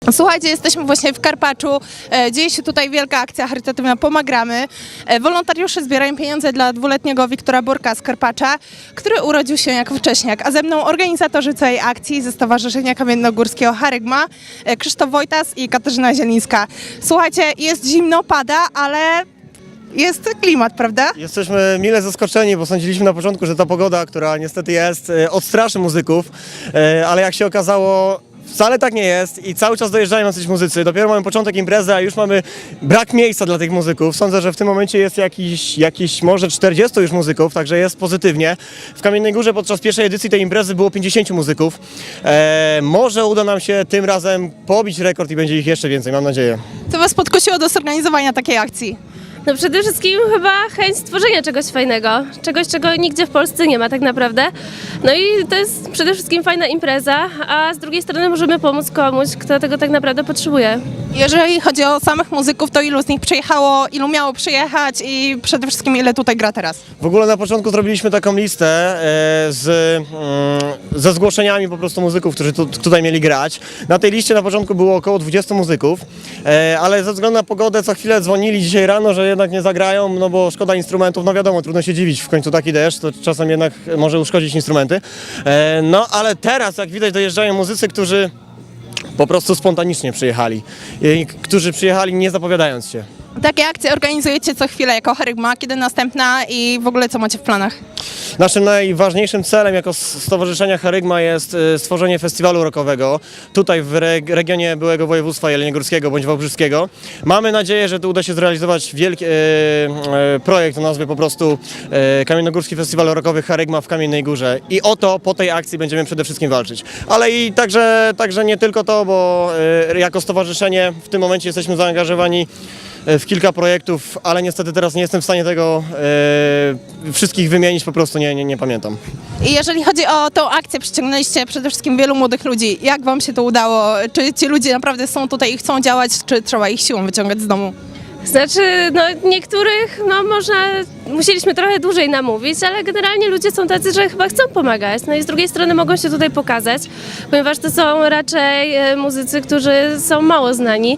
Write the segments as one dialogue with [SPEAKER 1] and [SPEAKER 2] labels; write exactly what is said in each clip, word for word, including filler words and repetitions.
[SPEAKER 1] Słuchajcie, jesteśmy właśnie w Karpaczu. E, dzieje się tutaj wielka akcja charytatywna Pomagamy. E, wolontariusze zbierają pieniądze dla dwuletniego Wiktora Burka z Karpacza, który urodził się jako wcześniak. A ze mną organizatorzy całej akcji ze Stowarzyszenia Kamiennogórskiego Charygma, e, Krzysztof Wojtas i Katarzyna Zielińska. Słuchajcie, jest zimno, pada, ale jest klimat, prawda?
[SPEAKER 2] Jesteśmy mile zaskoczeni, bo sądziliśmy na początku, że ta pogoda, która niestety jest, e, odstraszy muzyków, e, ale jak się okazało, wcale tak nie jest i cały czas dojeżdżają jacyś muzycy. Dopiero mamy początek imprezy, a już mamy brak miejsca dla tych muzyków. Sądzę, że w tym momencie jest jakiś, jakiś może czterdziestu już muzyków, także jest pozytywnie. W Kamiennej Górze podczas pierwszej edycji tej imprezy było pięćdziesięciu muzyków. E, może uda nam się tym razem pobić rekord i będzie ich jeszcze więcej, mam nadzieję.
[SPEAKER 1] Co was podkusiło do zorganizowania takiej akcji?
[SPEAKER 3] No przede wszystkim chyba chęć stworzenia czegoś fajnego, czegoś, czego nigdzie w Polsce nie ma tak naprawdę. No i to jest przede wszystkim fajna impreza, a z drugiej strony możemy pomóc komuś, kto tego tak naprawdę potrzebuje.
[SPEAKER 1] Jeżeli chodzi o samych muzyków, to ilu z nich przyjechało, ilu miało przyjechać i przede wszystkim ile tutaj gra teraz?
[SPEAKER 2] W ogóle na początku zrobiliśmy taką listę e, z, mm, ze zgłoszeniami po prostu muzyków, którzy tu, tutaj mieli grać. Na tej liście na początku było około dwudziestu muzyków, e, ale ze względu na pogodę co chwilę dzwonili dzisiaj rano, że jednak nie zagrają, no bo szkoda instrumentów, no wiadomo, trudno się dziwić, w końcu taki deszcz, to czasem jednak może uszkodzić instrumenty. E, no ale teraz, jak widać, dojeżdżają muzycy, którzy po prostu spontanicznie przyjechali, i, którzy przyjechali nie zapowiadając się.
[SPEAKER 1] Takie akcje organizujecie co chwilę jako Charygma, kiedy następna i w ogóle co macie w planach?
[SPEAKER 2] Naszym najważniejszym celem jako Stowarzyszenia Charygma jest y, stworzenie festiwalu rockowego tutaj w reg regionie byłego województwa jeleniogórskiego bądź wałbrzyskiego. Mamy nadzieję, że tu uda się zrealizować wielki y, y, projekt o nazwie po prostu y, Kamiennogórski Festiwal Rockowy Charygma w Kamiennej Górze i o to po tej akcji będziemy przede wszystkim walczyć. Ale i także, także nie tylko to, bo y, jako stowarzyszenie w tym momencie jesteśmy zaangażowani w kilka projektów, ale niestety teraz nie jestem w stanie tego e, wszystkich wymienić, po prostu nie, nie, nie pamiętam.
[SPEAKER 1] I jeżeli chodzi o tą akcję, przyciągnęliście przede wszystkim wielu młodych ludzi. Jak wam się to udało? Czy ci ludzie naprawdę są tutaj i chcą działać, czy trzeba ich siłą wyciągać z domu?
[SPEAKER 3] Znaczy, no niektórych, no można, musieliśmy trochę dłużej namówić, ale generalnie ludzie są tacy, że chyba chcą pomagać. No i z drugiej strony mogą się tutaj pokazać, ponieważ to są raczej e, muzycy, którzy są mało znani.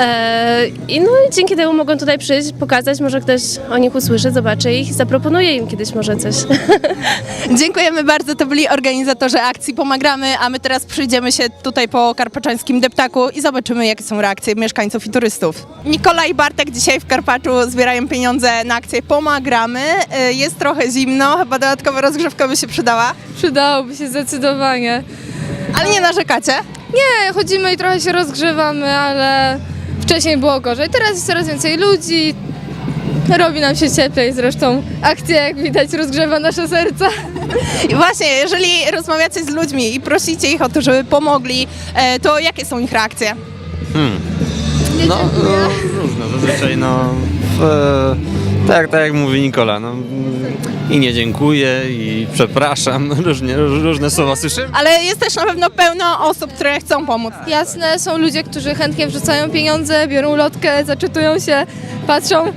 [SPEAKER 3] E, I no i dzięki temu mogą tutaj przyjść, pokazać, może ktoś o nich usłyszy, zobaczy ich i zaproponuje im kiedyś może coś.
[SPEAKER 1] Dziękujemy bardzo, to byli organizatorzy akcji Pomagamy, a my teraz przyjdziemy się tutaj po karpaczańskim deptaku i zobaczymy, jakie są reakcje mieszkańców i turystów. Nikola i Bartek dzisiaj w Karpaczu zbierają pieniądze na akcję Pomagamy. Jest trochę zimno, chyba dodatkowa rozgrzewka by się przydała,
[SPEAKER 4] Przydałoby się zdecydowanie.
[SPEAKER 1] ale nie narzekacie?
[SPEAKER 4] Nie, chodzimy i trochę się rozgrzewamy, ale wcześniej było gorzej. Teraz jest coraz więcej ludzi, robi nam się cieplej. Zresztą akcja, jak widać, rozgrzewa nasze serca.
[SPEAKER 1] I właśnie, jeżeli rozmawiacie z ludźmi i prosicie ich o to, żeby pomogli, e, to jakie są ich reakcje?
[SPEAKER 5] Hmm. No, no, różne, zazwyczaj no, w, e, tak, tak jak mówi Nikola, no, i nie dziękuję, i przepraszam, różnie, różne słowa słyszymy.
[SPEAKER 1] Ale jest też na pewno pełno osób, które chcą pomóc.
[SPEAKER 4] Jasne, są ludzie, którzy chętnie wrzucają pieniądze, biorą lotkę, zaczytują się, patrzą.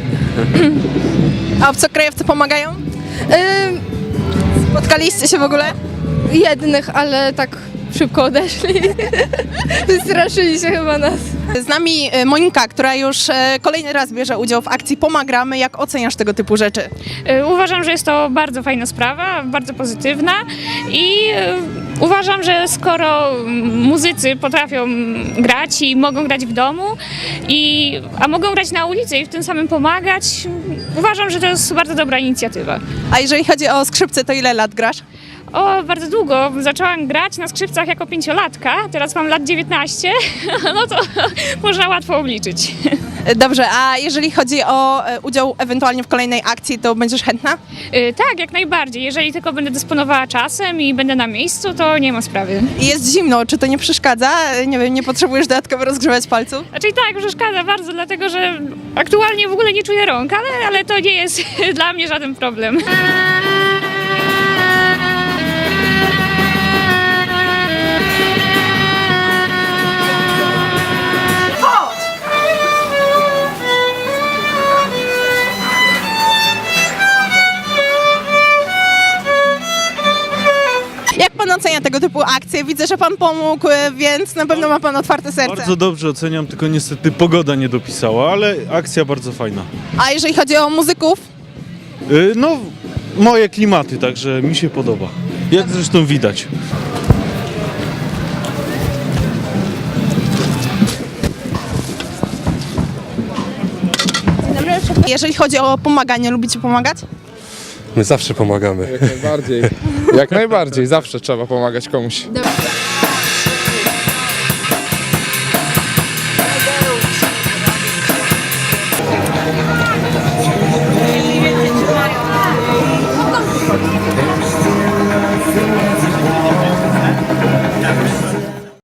[SPEAKER 1] A obcokrajowcy pomagają?
[SPEAKER 4] Ym,
[SPEAKER 1] Spotkaliście się w ogóle?
[SPEAKER 4] jednych, ale tak szybko odeszli. Wystraszyli się chyba nas.
[SPEAKER 1] Z nami e, Monika, która już e, kolejny raz bierze udział w akcji Pomagamy. Jak oceniasz tego typu rzeczy?
[SPEAKER 6] Y, Uważam, że jest to bardzo fajna sprawa, bardzo pozytywna i y, uważam, że skoro mm, muzycy potrafią grać i mogą grać w domu, i, a mogą grać na ulicy i w tym samym pomagać, uważam, że to jest bardzo dobra inicjatywa.
[SPEAKER 1] A jeżeli chodzi o skrzypce, to ile lat grasz?
[SPEAKER 6] O, bardzo długo. Zaczęłam grać na skrzypcach jako pięciolatka, teraz mam lat dziewiętnaście, no to można łatwo obliczyć.
[SPEAKER 1] E, Dobrze, a jeżeli chodzi o e, udział ewentualnie w kolejnej akcji, to będziesz chętna?
[SPEAKER 6] Y, Tak, jak najbardziej. Jeżeli tylko będę dysponowała czasem i będę na miejscu, to nie ma sprawy.
[SPEAKER 1] I jest zimno, czy to nie przeszkadza? E, Nie wiem, nie potrzebujesz dodatkowo rozgrzewać palców?
[SPEAKER 6] Znaczy tak, przeszkadza bardzo, dlatego że aktualnie w ogóle nie czuję rąk, ale, ale to nie jest dla mnie żaden problem.
[SPEAKER 1] Jak pan ocenia tego typu typu akcje. Widzę, że pan pomógł, e, więc na pewno ma pan otwarte serce.
[SPEAKER 7] Bardzo dobrze oceniam, tylko niestety pogoda nie dopisała, ale akcja bardzo fajna.
[SPEAKER 1] A jeżeli chodzi o muzyków?
[SPEAKER 7] Y, No, moje klimaty, także mi się podoba. Jak zresztą widać.
[SPEAKER 1] Jeżeli chodzi o pomaganie, lubicie pomagać?
[SPEAKER 8] My zawsze pomagamy.
[SPEAKER 9] Jak najbardziej. Jak najbardziej. Zawsze trzeba pomagać komuś.
[SPEAKER 4] Dobra.